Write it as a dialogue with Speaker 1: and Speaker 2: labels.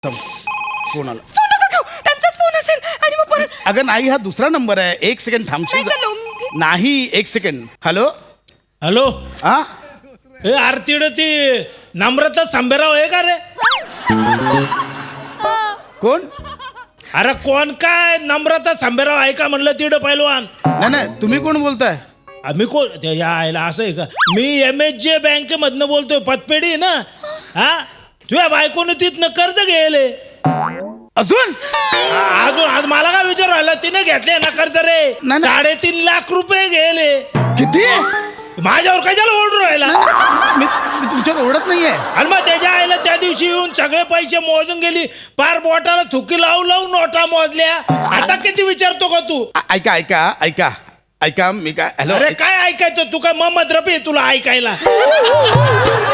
Speaker 1: Phone आला.
Speaker 2: Phone नका घेऊ, त्यांचाच फोन असेल आणि मग परत
Speaker 1: अगं नाही, हा दुसरा नंबर आहे. एक सेकंड थांबशील
Speaker 2: नाही, तर
Speaker 1: नाही, एक सेकंड. हॅलो
Speaker 3: हॅलो
Speaker 1: हा
Speaker 3: हे आरतीड ती नम्रता सांबेराव आहे का रे?
Speaker 1: कोण?
Speaker 3: अरे कोण काय नम्रता सांबेराव आहे का म्हणलं तिड पैलवान.
Speaker 1: नाही, तुम्ही कोण बोलताय?
Speaker 3: आम्ही कोण या आयला असं आहे का? मी MHJ बँकेमधनं बोलतोय, पतपेढी आहे ना. हा तुझ्या बायकोनं तिथनं कर्ज घ्यायले
Speaker 1: अजून
Speaker 3: अजून आज मला काय विचार राहिला, तिने घेतले ना कर्ज रे.
Speaker 1: नाही.
Speaker 3: 3.5 लाख रुपये घ्यायले.
Speaker 1: किती?
Speaker 3: माझ्यावर कशाला ओढून राहिला?
Speaker 1: मी तुमच्यावर ओढत नाहीये.
Speaker 3: आणि मग त्याच्या आईला त्या दिवशी येऊन सगळे पैसे मोजून गेली, पार बोटाला थुकी लावून लावून नोटा मोजल्या. आता किती विचारतो का तू?
Speaker 1: ऐका ऐका ऐका ऐका मी काय हॅलो
Speaker 3: अरे काय ऐकायचं? तू काय मोहम्मद रफी आहे तुला ऐकायला?